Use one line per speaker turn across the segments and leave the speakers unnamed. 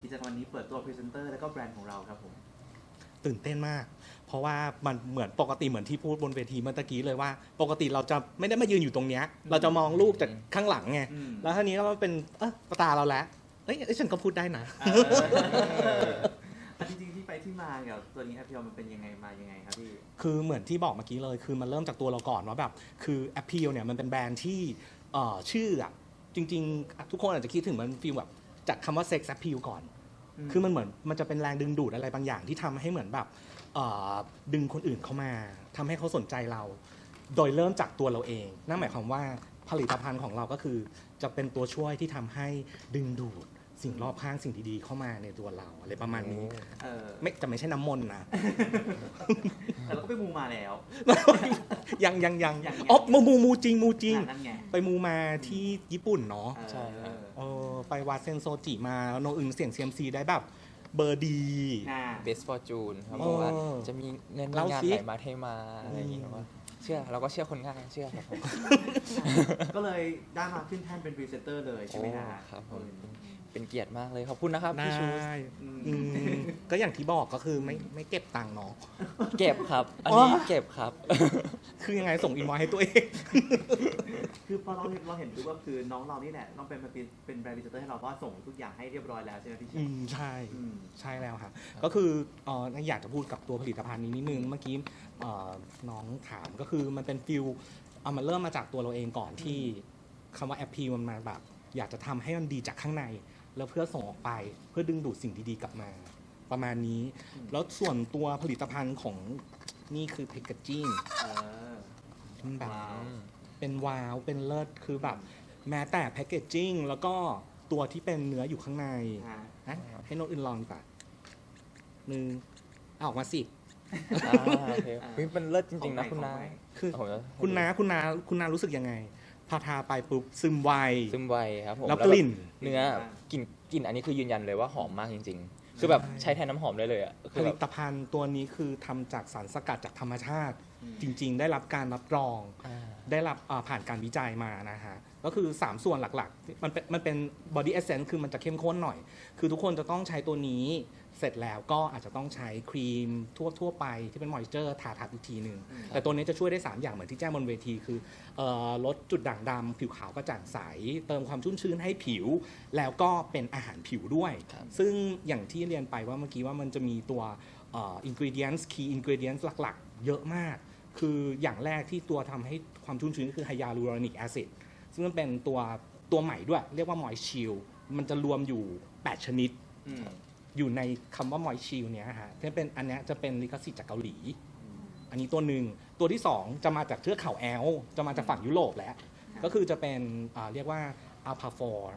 กิจกรรมวันนี้เปิดตัวพรีเซนเตอร์แล้วก็แบรนด์ของเราครับผม
ตื่นเต้นมากเพราะว่ามันเหมือนปกติเหมือนที่พูดบนเวทีเมื่อกี้เลยว่าปกติเราจะไม่ได้มายืนอยู่ตรงเนี้ยเราจะมองลูกจากข้างหลังไงแล้วทีนี้ก็เป็นตาเราแล้วฉันก็พูดได้นะ
จริงๆที่ไปที่มากับตัวนี้แอปเปิลมันเป็นยังไงมายังไงครับพี่
คือเหมือนที่บอกเมื่อกี้เลยคือมันเริ่มจากตัวเราก่อนว่าแบบคือแอปเปิลเนี่ยมันเป็นแบรนด์ที่ชื่ออ่ะจริงๆทุกคนอาจจะคิดถึงมันฟีลแบบจากคำว่าเซ็กซ์แอปเปิลก่อนคือมันเหมือนมันจะเป็นแรงดึงดูดอะไรบางอย่างที่ทำให้เหมือนแบบดึงคนอื่นเข้ามาทำให้เขาสนใจเราโดยเริ่มจากตัวเราเองนั่นหมายความว่าผลิตภัณฑ์ของเราก็คือจะเป็นตัวช่วยที่ทำให้ดึงดูดสิ่งรอบข้างสิ่งดีๆเข้ามาในตัวเราอะไรประมาณนี้ไม่ใช่น้ำมนต์นะ
แต่เราก็ไปมูมาแล้ว
ยังมูจริงไปมูมาที่ญี่ปุ่นเนาะ
ใช่
ไปวาเซนโซจิมาโนอึงเสี่ยง CMC ได้แบบเบอร์ดี
Best Fortune ครับบอกว่าจะมีเงินงานไหลมาเทมาอะไรอย่างเงี้ยว่าเชื่อเราก็เชื่อคนง่ายเชื่อครับผม
ก็เลยได้มาขึ้นแท่นเป็นพรีเซนเตอร์เลยใช่ไหม
ครับผมเป็นเกียรติมากเลยขอบคุณนะครับพี่ชู
ก็อย่างที่บอกก็คือไม่เก็บตังค์เนาะ
เก็บครับอันนี้เก็บครับ
คือยังไงส่งอินวอยให้ตัวเอง
คือพอเราเห็นดูว่าคือน้องเรานี่แหละต้องเป็นแบรนด์พรีเซนเตอร์ให้เราเพราะส่งทุกอย่างให้เรียบร้อยแล้วใช่ไหมพี่ชิ
ใช่แล้วครับก็คืออยากจะพูดกับตัวผลิตภัณฑ์นี้นิดนึงเมื่อกี้น้องถามก็คือมันเป็นฟิลมันเริ่มมาจากตัวเราเองก่อนที่คำว่าแอปพีมันมาแบบอยากจะทำให้มันดีจากข้างในแล้วเพื่อส่งออกไปเพื่อดึงดูดสิ่งดีๆกลับมาประมาณนี้แล้วส่วนตัวผลิตภัณฑ์ของนี่คือแพคเกจจิ้งมันแบบเป็นว้าวเป็นเลิศคือแบบแม้แต่แพคเกจจิ้งแล้วก็ตัวที่เป็นเนื้ออยู่ข้างในให้โน้ตอื่นลองดีกว่านึงออกมาสิ
โอเคเป็นเลิศจริงๆนะคุณนา
คือคุณนารู้สึกยังไงพอทาไปปุ๊บซึมไว
ครับผม
แล้วกลิ่น
เนื้อกลิ่นอันนี้คือยืนยันเลยว่าหอมมากจริงๆคือแบบใช้แทนน้ำหอมได้เลยอ่ะ
ผลิตภัณฑ์ตัวนี้คือทำจากสารสกัดจากธรรมชาติจริงๆได้รับการรับรองได้รับผ่านการวิจัยมานะฮะก็คือ3ส่วนหลักๆมันเป็น body essence คือมันจะเข้มข้นหน่อยคือทุกคนจะต้องใช้ตัวนี้เสร็จแล้วก็อาจจะต้องใช้ครีมทั่วไปที่เป็น moisture ทาอีกทีนึงแต่ตัวนี้จะช่วยได้3อย่างเหมือนที่แจ้งบนเวทีคือลดจุดด่างดำผิวขาวกระจ่างใสเติมความชุ่มชื้นให้ผิวแล้วก็เป็นอาหารผิวด้วยซึ่งอย่างที่เรียนไปว่าเมื่อกี้ว่ามันจะมีตัวingredients key ingredients หลักๆเยอะมากคืออย่างแรกที่ตัวทำให้ความชุ่มชื้นคือ hyaluronic acid ซึ่งมันเป็นตัวใหม่ด้วยเรียกว่า Moist Shield มันจะรวมอยู่8ชนิดอยู่ในคำว่า Moist Shield เนี้ยฮะที่เป็นอันนี้จะเป็นลิขสิทธิ์จากเกาหลีอันนี้ตัวหนึ่งตัวที่2จะมาจากเทือกเขาแอลป์จะมาจากฝั่งยุโรปแล้วก็คือจะเป็นเรียกว่า Alpha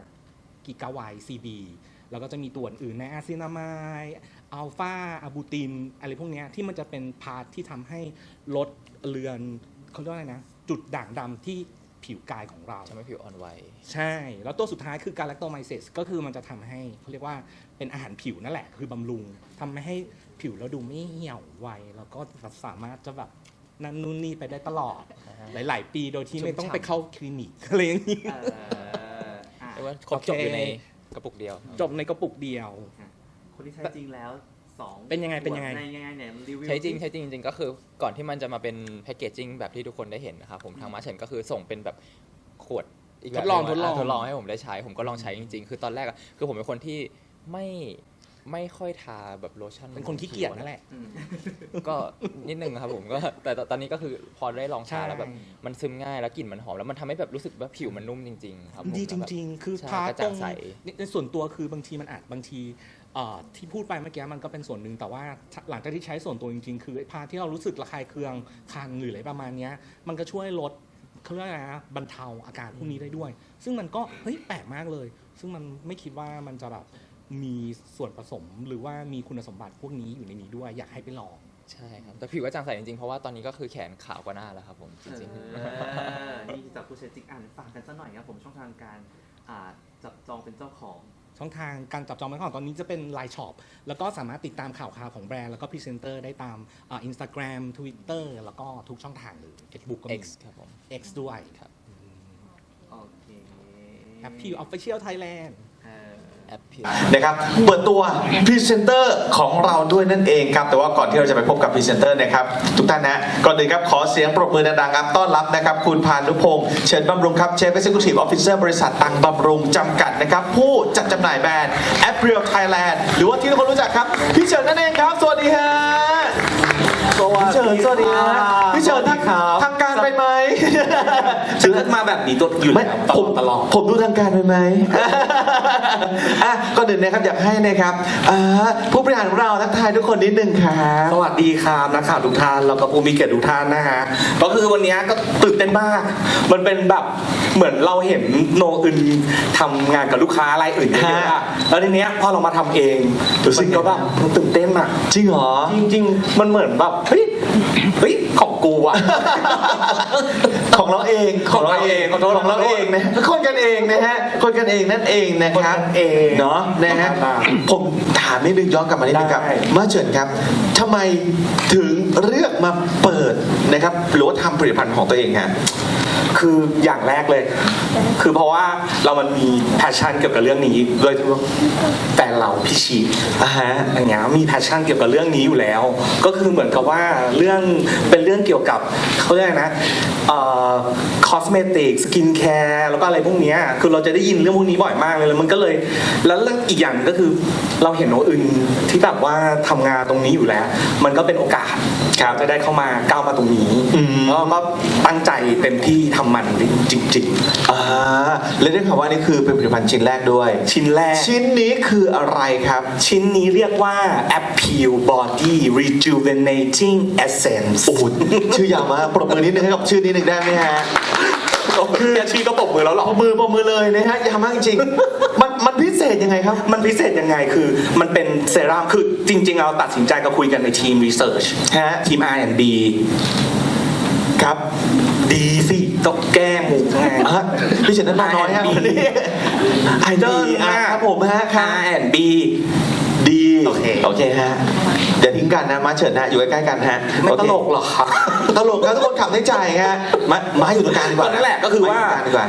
4 Gigabyte CB แล้วก็จะมีตัวอื่นในอะซินามายอัลฟาอะบูตินอะไรพวกนี้ที่มันจะเป็นพาร์ทที่ทำให้ลดเลือนเขาเรียกว่าอะไรนะจุดด่างดำที่ผิวกายของเรา
ทำให้ผิวอ่อนไหว
ใช่แล้วตัวสุดท้ายคือการแลคโตไมเซสก็คือมันจะทำให้เขาเรียกว่าเป็นอาหารผิวนั่นแหละคือบำรุงทำให้ผิวเราดูไม่เหี่ยวไวแล้วก็สามารถจะแบบนั่นนู่นนี่ไปได้ตลอดหลายๆปีโดยที่ไม่ต้องไปเข้าคลินิกอะไรอย่างนี้
แต่ว่าครบจบอยู่ในกระปุกเดียว
จบในกระปุกเดียว
คนที่ใช้จริงแล้ว
เป็นยังไง
เนี่ยรีวิว
ใช้จริงก็คือก่อนที่มันจะมาเป็นแพคเกจจิ้งแบบที่ทุกคนได้เห็นนะครับผมทางมาเชนก็คือส่งเป็นแบบขวดอีกแบบทดลองให้ผมได้ใช้ผมก็ลองใช้จริงๆคือตอนแรกคือผมเป็นคนที่ไม่ค่อยทาแบบโลชั่น
เป็นคนขี้เกียจนั่นแหละ
ก็นิดนึงครับผมก็แต่ตอนนี้ก็คือพอได้ลองทาแล้วแบบมันซึมง่ายแล้วกลิ่นมันหอมแล้วมันทำให้แบบรู้สึกว่าผิวมันนุ่มจริงๆครับ
ดีจริงๆคือทาตรงในส่วนตัวคือบางทีมันอาจบางทีที่พูดไปเมื่อกี้มันก็เป็นส่วนหนึ่งแต่ว่าหลังจากที่ใช้ส่วนตัวจริงๆคือพาที่เรารู้สึกระคายเคืองคันหรืออะไรประมาณนี้มันก็ช่วยลดเขาเรียกอะไรนะบรรเทาอาการพวกนี้ได้ด้วยซึ่งมันก็เฮ้ยแปลกมากเลยซึ่งมันไม่คิดว่ามันจะแบบมีส่วนผสมหรือว่ามีคุณสมบัติพวกนี้อยู่ในนี้ด้วยอยากให้ไปลอง
ใช่ครับแต่ผิวก็จางใสจริงๆเพราะว่าตอนนี้ก็คือแขนขาวกว่าหน้าแล้วครับผมจริง
ๆนี่จากผู้ใช้จริงฝากกันสักหน่อยครับผมช่องทางการจับจองเป็นเจ้าของ
ช่องทางการจับจองเป็นของตอนนี้จะเป็น Line Shop แล้วก็สามารถติดตามข่าวของแบรนด์แล้วก็พรีเซนเตอร์ได้ตามInstagram Twitter แล้วก็ทุกช่องทางเลย Facebook ก็มี
X ครับผม
X ด้วย
โอเค
Appeal Official Thailand
แอปพิว
นะครับเปิดตัวพรีเซนเตอร์ของเราด้วยนั่นเองครับแต่ว่าก่อนที่เราจะไปพบกับพรีเซนเตอร์นะครับทุกท่านนะก่อนอื่นครับขอเสียงปรบมือดังๆครับต้อนรับนะครับคุณพานุพงษ์เชิญบำรุงครับ Chief Executive Officer บริษัทตังบำรุงจำกัดนะครับผู้จัดจำหน่ายแบรนด์ April Thailand หรือว่าที่ทุกคนรู้จักครับพี่เฉินนั่นเองครับสวัสดีฮะพี่เฉินสวัสดีครับพี่เฉินทางการไปไหม
ซื้อมาแบบนี้ตัวอยู่แล้วตลอด
ผมดูทางการไปไหม ก่อนอื่นนะครับอยากให้นะครับผู้บริหารของเราทักทายทุกคนนิดนึงครับ
สวัสดีครับนักข่าวทุกท่านแล้วก็ผู้มีเกียรติทุกท่านนะฮะก็คือวันนี้ก็ตื่นเต้นมาก มันเป็นแบบเหมือนเราเห็นโนอื่นทำงานกับลูกค้ารายอื่นเยอะๆอะแล้วทีเนี้ยพอเรามาทำเองมันก็แบบตื่นเต้นอะ
จริงเหรอ
จริงๆมันเหมือนแบบเฮ้ยของกูอะ
ของเราเอง
ของเราเอง
ของเราเองนะคนกันเองนะฮะคนกันเองนั่นเองนะครับ
คนกันเอง
เนาะนะฮะผมถามนิดนึงย้อนกลับมานิดนึงครับ
ได้
มาเฉินครับทำไมถึงเลือกมาเปิดนะครับหรือว่าทำผลิตภัณฑ์ของตัวเองฮะ
คืออย่างแรกเลย คือเพราะว่าเรามันมีแพชชั่นเกี่ยวกับเรื่องนี้โดยแฟนเราพี่ชีอย่างเงี้ยมีแพชชั่นเกี่ยวกับเรื่องนี้อยู่แล้ว ก็คือเหมือนกับว่าเป็นเรื่องเกี่ยวกับเขาเรียกนะคอสเมติกสกินแคร์แล้วก็อะไรพวกเนี้ยคือเราจะได้ยินเรื่องพวกนี้บ่อยมากเลยแล้วมันก็เลยแล้วเรื่องอีกอย่างก็คือเราเห็นโนอื่นที่แบบว่าทำงานตรงนี้อยู่แล้ว มันก็เป็นโอกาสจะได้เข้ามาก้าวมาตรงนี้แล้วก็ตั้งใจเต็มที่ทำมันจริงๆ
และได้ข่าวว่านี่คือเป็นผลิตภัณฑ์ชิ้นแรกด้วย
ชิ้นแรก
ชิ้นนี้คืออะไรครับ
ชิ้นนี้เรียกว่า Appeal Body Rejuvenating Essence
โอ้โหชื่อยาวมากปรบมือนิดนึงให้กับชื่อนี้หนึ่งได้ไหมฮะ
คือชื่อก็ปรบมือแล้วหรอ
ปรบมือเลยนะฮะยาวมากจริงมันพิเศษยังไงครับ
มันพิเศษยังไงคือมันเป็นเซรั่มคือจริงๆเราตัดสินใจก็คุยกันในทีม Research ทีม R&D
ครับ
ดีสิต้องแก้หมูไง
พี่เฉินนั้นนอนน้อยครับวันนี้ไอเดิลครับผมฮะ
R&B
ดี
โอเค
ฮะเดี๋ยวทิ้งกันนะมาเฉินนะอยู่ใกล้ๆกันฮะ
ไม่ตลกหรอครับ
ตลกครับทุกคนขับในใจฮะมาอยู่ตรงกลางดีกว่า
นั่นแหละก็คือว่า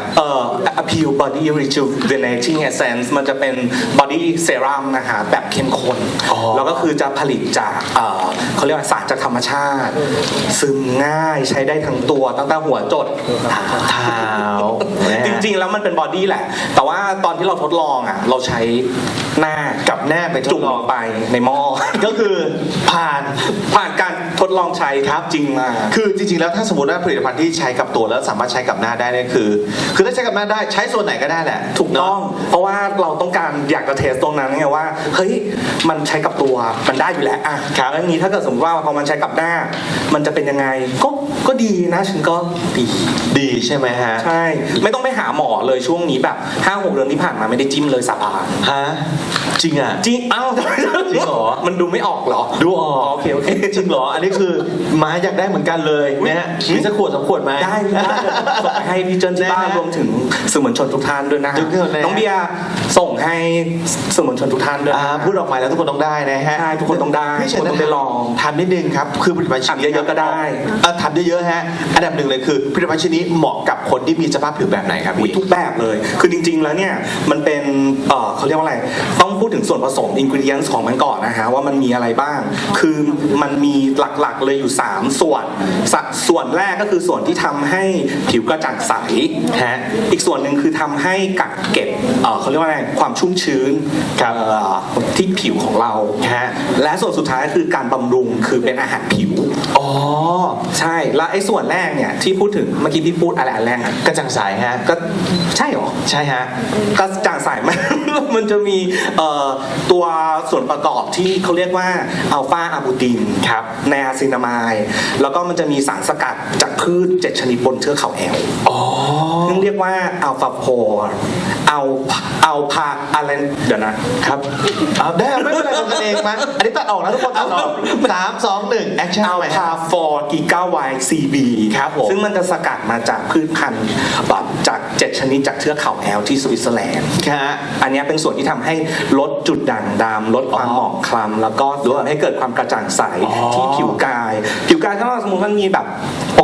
Appeal Body Rejuvenating Essence มันจะเป็น body serum นะฮะแบบเข้มข้นแล้วก็คือจะผลิตจากเขาเรียกว่าสารจากธรรมชาติ ซึมง่ายใช้ได้ทั้งตัวตั้งแต่หัวจดเท้าจริงๆแล้วมันเป็นบอดี้แหละ แต่ว่าตอนที่เราทดลองอ่ะเราใช้หน้ากับแนบไปจุ่มลงไปในหม้อ
ก็คือผ่าน
การทดลองใช้ครับจริงมา
คือจริงๆแล้วถ้าสมมติว่าผลิตภัณฑ์ที่ใช้กับตัวแล้วสามารถใช้กับหน้าได้เนี่ยคือถ้าใช้กับหน้าได้ใช้ส่วนไหนก็ได้แหละ
ถูกต้อง เพราะว่าเราต้องการอยากจะเทสตรงนั้นไงว่าเฮ้ยมันใช้กับตัวมันได้อยู่แล้วอ่ะครับแล้วนี้ถ้าเกิดสมมติว่าพอมันใช้กับหน้า มันจะเป็นยังไงก็ดีนะฉันก็
ดีใช่ไหมฮะ
ใช่ไม่ต้องไปหาหมอเลยช่วงนี้แบบ 5-6 เดือนที่ผ่านมาไม่ได้จิ้มเลยสับอ่ะ
ฮะจริงอ่ะ
จริงอ้าวจริงเหรอมันดูไม่ออกเหรอ
ดูออก
โอเค
จริงเหรออันนี้คือมาอยากได้เหมือนกันเลยนะฮะมีสักขวด2 ขวดไหม
ได้ให้พี่เจนที่บ้านรวมถึงสื่อมวลชนทุกท่านด้วยนะน้องเบียร์ส่งให้สื่อมวลชนทุกท่านด้วย
พูดออกมาแล้วทุกคนต้องได้นะฮะ
ใช่ทุกคนต้องได้
พี่เฉินต้อง
ไปลอง
ทำนิดนึงครับคือผลิตภัณฑ์ชิ้นนี้
เยอะๆก็ได้
ทำเยอะๆฮะอันดับหนึ่งเลยคือผลิตภัณฑ์ชิ้นนี้เหมาะกับคนที่มีสภาพผิวแบบไหนครับพี่
ทุกแบบเลยคือจริงๆแล้วเนี่ยมันเป็นเขาเรียกว่าอะไรต้องพูดถึงส่วนผสม ingredients ของมันก่อนนะฮะว่ามันมีอะไรบ้างคือมันมีหลักๆเลยอยู่3ส่วนแรกก็คือส่วนที่ทำให้ผิวกระจ่างใสฮะอีกส่วนหนึ่งคือทำให้กักเก็บเขาเรียกว่าอะไรความชุ่มชื้นที่ผิวของเราฮะและส่วนสุดท้ายก็คือการบำรุงคือเป็นอาหารผิวใช่แล้วไอ้ส่วนแรกเนี่ยที่พูดถึงเมื่อกี้พี่พูดอะไรอันแรกอะ
กระจ่างใสฮะ
ก็ใช่หรอ
ใช่ฮะ
กระจ่างใสมันจะมีตัวส่วนประกอบที่เขาเรียกว่าอัลฟาอะบูตินครับไนอาซินามายแล้วก็มันจะมีสารสกัดจากพืช7 ชนิดบนเทือกเขาแอลซึ่งเรียกว่าอัลฟาโพเอาพาอะไรเดี๋ยวนะครับ
ได้ไม่เป็นไรทำกันเองมั้ยอันนี้ตัดออกนะทุกคนตัดออก3 2 1แอคชั่น
อัลพาฟอร์กิก้าไวซีบีครับผมซึ่งมันจะสกัดมาจากพืชพันธุ์จาก7 ชนิดจากเทือกเขาแอลที่สวิตเซอร์แลนด์อันนี้เป็นส่วนที่ทำให้ลดจุดด่างดำลดความหมองคล้ำแล้วก็ทำให้เกิดความกระจ่างใสที่ผิวกายถ้าสมมติมันมีแบบปก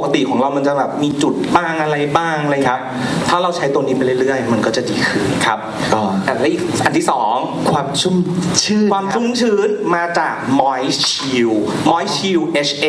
ติของเรามันจะแบบมีจุดบ้างอะไรบ้างอะไรครับถ้าเราใช้ตัวนี้ไปเรื่อยๆมันก็จะดีขึ้น
ครับก็
และอีกอันที่สอง
ความชุ่มชื่น
ความชุ่มชื้นมาจาก Moist Shield Moist Shield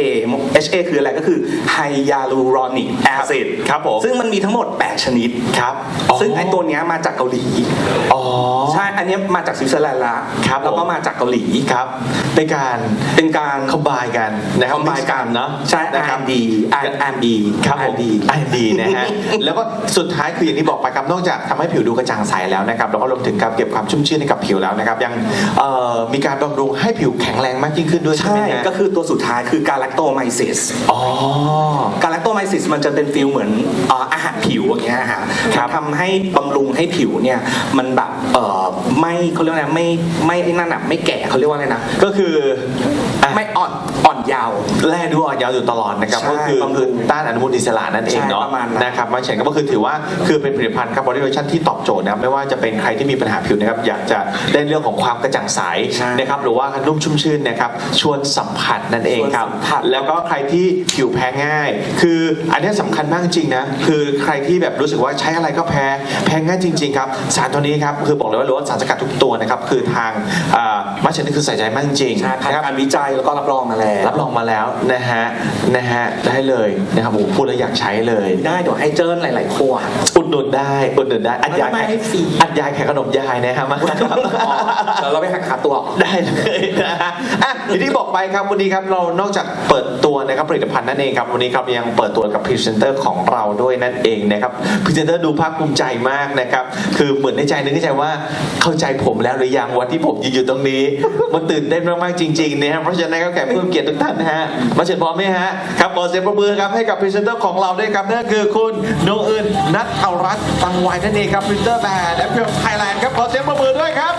HA คืออะไรก็คือ Hyaluronic Acid
ครับผม
ซึ่งมันมีทั้งหมด 8 ชนิด
ครับ
ซึ่งไอตัวเนี้ยมาจากเกาหลี
อ๋อ
ใช่อันเนี้ยมาจากสวิตเซอร์แลนด์ละ
ครับ
แล้วก็มาจากเกาหลี
ครับเป็นการ
เป็นการ
คอมไบกันนะครับ
combine กัน
เนาะ
ใช่
นะครับ
R&D R&D
ครับผม
R&D
R&D นะฮะ แล้วก็สุดท้ายคืออย่างที่บอกไปครับนอกจากทำให้ผิวดูกระจ่างใสแล้วนะครับเราก็รวมถึงการเก็บความชุ่มชื้นให้กับผิวแล้วนะครับยังมีการบำรุงให้ผิวแข็งแรงมากยิ่งขึ้นด้วยใช่
ใช่
ไหมฮะ
ก็คือตัวสุดท้ายคือการ lactomyces
อ๋อ
การ lactomyces มันจะเป็นฟีลเหมือนอาหารผิวอย่างเงี้ยฮะ
ครับ
ทำให้บำรุงให้ผิวเนี่ยมันแบบไม่เขาเรียกว่าอะไรไม่ไอ้นั่นอะไม่แก่เขาเรียกว่าอะไรนะ
ก็คืออ่ะ
ไม่อ่อนยาว
แร่ดูอ่อนยาวอยู่ตลอดนะครับ
ใช่
ก็คือบ
ำรุง
ต้านอนุมูลอิสระนั่นเองเนาะ
ใช่ประมาณนั้น
นะครับมาเฉนก็คือถือว่าคือเป็นผลิตภัณฑ์ครับบริเวชั่นที่ตอบโจทย์นะครับไม่ว่าจะเป็นใครที่มีปัญหาผิวนะครับอยากจะได้เรื่องของความกระจ่างใสนะครับหรือว่านุ่มชุ่มชื่นนะครับชวนสัมผัสนั่นเองครับแล้วก็ใครที่ผิวแพ้ง่าย คืออันนี้สำคัญมากจริงนะคือใครที่แบบรู้สึกว่าใช้อะไรก็แพ้ง่ายจริงๆครับสารตัวนี้ครับคือบอกเลยว่าล้วนสารสกัดทุกตัวนะครับคือทางมาเชนนี่คือใส่ใจมากจริง
ใช่ผ่าน
นะครับ
การวิจัยแล้วก็รับรองมาแล้ว
รับรองมาแล้วนะฮะได้เลยนะครับผมพูดแล้วอยากใช้เลย
ได้เดี๋ยวให้เจิ้นหลายๆขวด
อุดหนุนได้อัดยา
ไม่ให้ฟรี
อัดยาแข่ขนมยายนะฮะมา
แล้วเราไปหักขาตัวออก
ได้เลยนะฮะอ่ะอย่างที่บอกไปครับวันนี้ครับเรานอกจากเปิดตัวนะครับผลิตภัณฑ์นั่นเองครับวันนี้ครับยังเปิดตัวกับพรีเซนเตอร์ของเราด้วยนั่นเองนะครับพรีเซนเตอร์ดูภาคภูมิใจมากนะครับคือเหมือนในใจนึกในใจว่าเข้าใจผมแล้วหรือยังวันที่ผมยืนอยู่ตรงนี้มันตื่นเต้นมากๆจริงๆนะครับเพราะฉะนั้นก็แขกผู้มีเกียรติทุกท่านนะฮะมาเชิญพร้อมไหมฮะครับขอเสียงปรบมือครับให้กับพรีเซนเตอร์ของเราด้วยครับนั่นคือคุณโนอื่นนัทเอารัตน์ตังไวนั่นเองครับพรีเซนเตอร์แบรนด์แอปเปิลไทยแลนด์ครับขอเสียงปรบมือด้วยครับ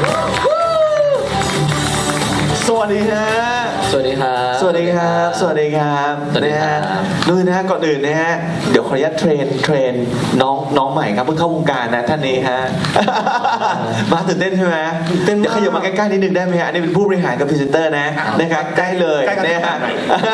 สวัสดีฮะ
สวัสดีครับ
สวัสดีครับ สวัสดีครับ
สวัสดี
นะครับ ฮะนู่นนะฮะก่อนอื่นนะฮะเดี๋ยวขออนุญาตเทรนน้องใหม่ครับเพิ่งเข้าวงการนะท่านนี้ฮะ มาตื่นเต้นใช่ไหม
ตื่นเต้นมาก
เดี๋ยวขยับมาใกล้ๆนิดนึงได้ไหมฮะอันนี้เป็นผู้บริหารกับพรีเซนเตอร์นะนะครับใกล้เลย
ใกล้กัน
นะฮะ
หน่อย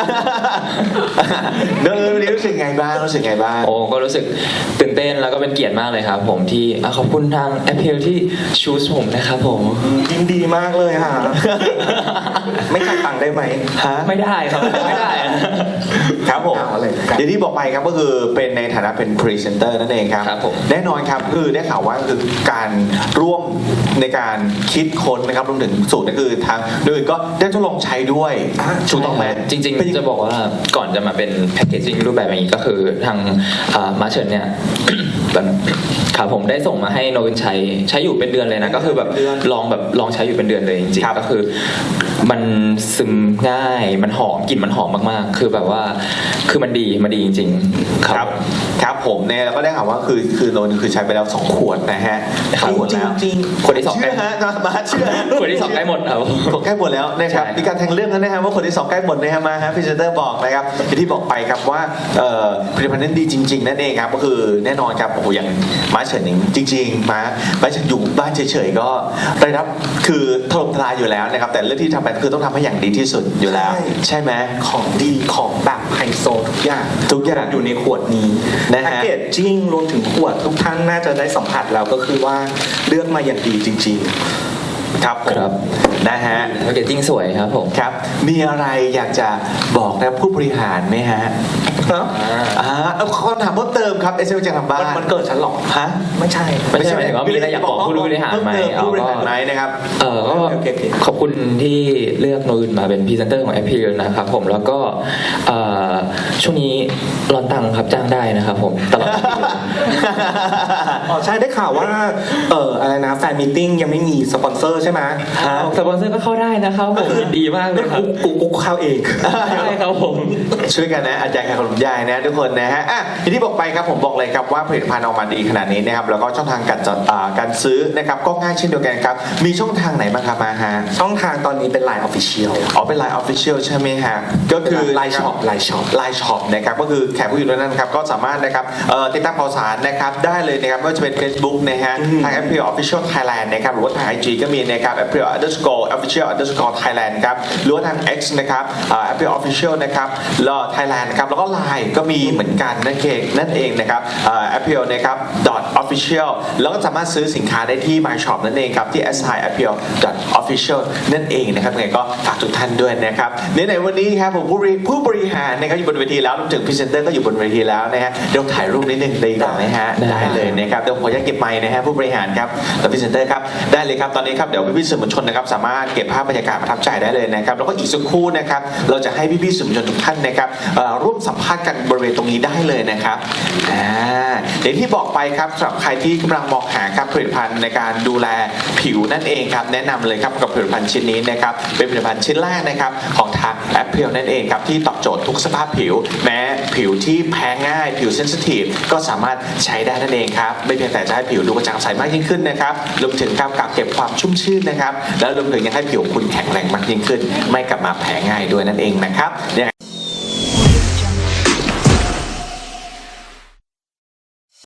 เดินวันนี้รู้สึกไงบ้างรู้สึกไงบ้าง
โอ้ก็รู้สึกตื่นเต้นแล้วก็เป็นเกียรติมากเลยครับผมที่ขอบคุณทางแอปเพลที่ชูสผมนะครับผม
ยินดีมากเลยค่ะ ไม่จ่ายตังค์ได้ไหม
ฮะ
ไม่ได้ครับไม่ได้อะ
ครับผม
เอาอะไรครับ
อย่างที่บอกไปครับก็คือเป็นในฐานะเป็นพรีเซนเตอร์นั่นเองครับ
ครับผม
แน่นอนครับคือได้ข่าวว่าคือการร่วมในการคิดค้นนะครับรวมถึงสูตรก็คือทางโดยก็ได้ทดลองใช้ด้วยถูกต้องไหม
จริง
เป็นยั
ๆ จะบอกว่าก่อนจะมาเป็นแพคเกจจิ้งรูปแบบอย่างนี้ก็คือทางมาเชิญเนี่ย ครับผมได้ส่งมาให้โนวินใช้อยู่เป็นเดือนเลยนะก็คือแบบลองใช้อยู่เป็นเดือนเลยจริง
ครับ
ๆก็คือมันซึมง่ายมันหอมกลิ่นมันหอมมากๆ คือแบบว่าคือมันดีจริงๆ
ครับครับผมเนี่ยแล้วก็ได้ข่าวว่าคือโนนคือใช้ไปแล้ว2 ขวดนะฮะ
ครับ
2 ขวดแล้ว
จริง
คนที่สอง
เชื่
ใกล้
อฮะมาเชื่อ
คนที่สองใกล้หมดครับ
ใกล้หมดแล้วนะครับ
ใช่
มีการแทงเรื่องแล้วนะฮะว่าคนที่2ใกล้หมดนะฮะมาฮะพรีเซนเตอร์บอกนะครับอย่างที่บอกไปครับว่าผลิตภัณฑ์นั้นดีจริง ๆนั่นเองครับก็คือแน่นอนครับโอ้โหอย่างมาเฉินหนิงจริงๆมาเฉินอยู่บ้านเฉยๆก็ได้รับคือถล่มทลายอยู่แล้วนะครับแต่เรื่องที่ทำไปคือต้องทำให้อย่างดีที่สุดอยู่แล้ว ใช่ไหม
ของดีของแบบไฮโซทุกอย่างอยู่ในขวดนี้
นะฮะ
แพ็กเกจจิ้งรวมถึงขวดทุกท่านน่าจะได้สัมผัสแล้วก็คือว่าเลือกมาอย่างดีจริง
ครับผม
ครับ
นะฮะ
แพคเกจจิ้งสวยครับผม
ครับมีอะไรอยากจะบอกนะผู้บริหารไหมฮะ
ๆครับ
เอาคำถามเพิ่มเติมครับเอสเอลจากทางบ้าน
มันเกิดฉันหรอก
ฮะ
ไม่ใช่
ไม่ใช่หมายถึงว่ามีอะไรอยากบอกผู้บริหารไหม
ผู้บริหารไหมนะครับ
ก็
โอเค
ขอบคุณที่เลือกโนอื่นมาเป็นพรีเซนเตอร์ของแอปพลินะครับผมแล้วก็ช่วงนี้ร้อนตังค์ครับจ้างได้นะครับผมตลอดปีเลย
อ๋อใช่ได้ข่าวว่าอะไรนะแฟนมีตติ้งยังไม่มีสปอนเซอร์ใช่ไหม
สปอนเซอร์ก็เข้าได้นะครับผมยินดีมากเลยครับ
กูเข้าเอง
ใช่ครับผม
ช่วยกันนะอาจารย์ขนมยายนะทุกคนนะฮะอ่ะอย่างที่บอกไปครับผมบอกเลยครับว่าผลิตภัณฑ์ออกมาดีขนาดนี้นะครับแล้วก็ช่องทางการซื้อนะครับก็ง่ายเช่นเดียวกันครับมีช่องทางไหนบ้างครับมาฮะ
ช่องทางตอนนี้เป็น Line Official
อ๋อเป็น Line Official ใช่ไหมฮะก็คือ
Line Shop Line Shop
Line Shop นะครับก็คือแขกผู้อยู่ในนั้นครับก็สามารถนะครับติดตามข่าวสารนะครับได้เลยนะครับไม่ว่าจะเป็น Facebook นะฮะทาง Apple Official Thailand นะครับหรือว่าทาง IG ก็มีนะครับ Appeal _official _Thailand ครับหรือว่าทาง X นะครับ Appeal official นะครับแล้ว Thailand นะครับแล้วก็ Line ก็มีเหมือนกันนั่นเองนะครับ Appeal นะครับ .official แล้วก็สามารถซื้อสินค้าได้ที่ My Shop นั่นเองครับที่ appeal .official นั่นเองนะครับยังไงก็ฝากทุกท่านด้วยนะครับในวันนี้ครับผมผู้บริหารนะครับอยู่บนเวทีแล้วรวมถึงพรีเซนเตอร์ก็อยู่บนเวทีแล้วนะฮะเดี๋ยวถ่ายรูปนิดนึงได้ก่อนนะฮะได้เลยนะครับเดี๋ยวผมขออนุญาตเก็บไมค์นะฮะผู้บริหารครับและพรีเซนเตอร์ครับได้เลยครับตอนนี้ครับเดี๋ยวพี่ๆสื่อมวลชนนะครับสามารถเก็บภาพบรรยากาศประทับใจได้เลยนะครับแล้วก็อีกสักครู่นะครับเราจะให้พี่ๆสื่อมวลชนทุกท่านนะครับร่วมสัมภาษณ์กันบริเวณตรงนี้ได้เลยนะครับอย่างที่บอกไปครับสำหรับใครที่กำลังมองหาครับผลิตภัณฑ์ในการดูแลผิวนั่นเองครับแนะนำเลยครับกับผลิตภัณฑ์ชิ้นนี้นะครับเป็นผลิตภัณฑ์ชิ้นแรกนะครับของทาง Appeal นั่นเองครับที่ตอบโจทย์ทุกสภาพผิวแม้ผิวที่แพ้ง่ายผิวเซนซิทีฟก็สามารถใช้ได้นั่นเองครับไม่เพียงแต่จะให้ผิวดูกระจ่างใสมากยิ่งขึ้นนะครับรวมถึงการกักเก็บความชุ่มชื่นนะครับแล้วรวมถึงยังให้ผิวคุณแข็งแรงมากยิ่งขึ้นไม่กลับมาแพ้ง่ายด้วยนั่นเองนะครับ